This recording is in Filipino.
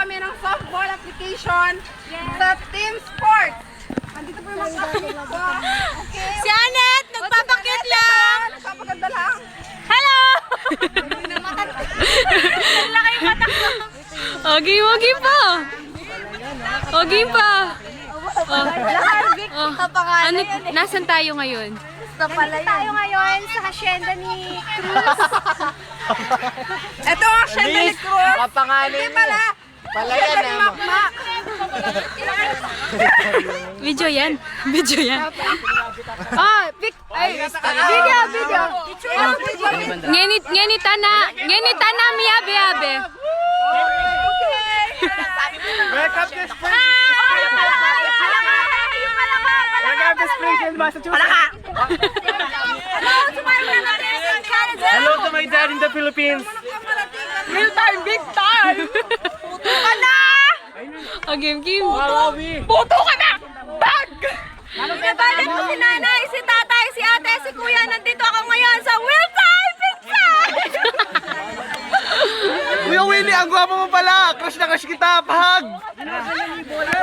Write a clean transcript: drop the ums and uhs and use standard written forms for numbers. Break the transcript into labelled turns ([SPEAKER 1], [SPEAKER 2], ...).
[SPEAKER 1] kami ng softball application sa team sports. Andito po yung mga okay.
[SPEAKER 2] Si Anet, nagpapakit lang.
[SPEAKER 1] Nagpapaganda lang.
[SPEAKER 2] Hello! Nagla kayo mata ko.
[SPEAKER 3] Okay, okay pa. Okay pa. Ano, nasan tayo ngayon?
[SPEAKER 2] Nandito tayo ngayon sa hacienda ni Cruz.
[SPEAKER 1] Ito ang asyenda ni Cruz.
[SPEAKER 4] Kapangalan
[SPEAKER 1] Hindi pala.
[SPEAKER 4] Pala yan
[SPEAKER 1] Ni Makmak.
[SPEAKER 3] Video yan. Video yan. Ngenita na miyabe abe.
[SPEAKER 4] Welcome to Spring! Welcome to Springfield, Massachusetts! Hello to my dad in the Philippines!
[SPEAKER 1] Real time, big time.
[SPEAKER 3] Okay, game.
[SPEAKER 1] Puto ka na. Bag.
[SPEAKER 2] Pinabalik ko si nanay, si tatay, si ate, si kuya. Nandito ako ngayon sa Real Time Pizza!
[SPEAKER 4] Kuya Winnie, ang gwapo mo pala! Crush na crush kita! Pahag!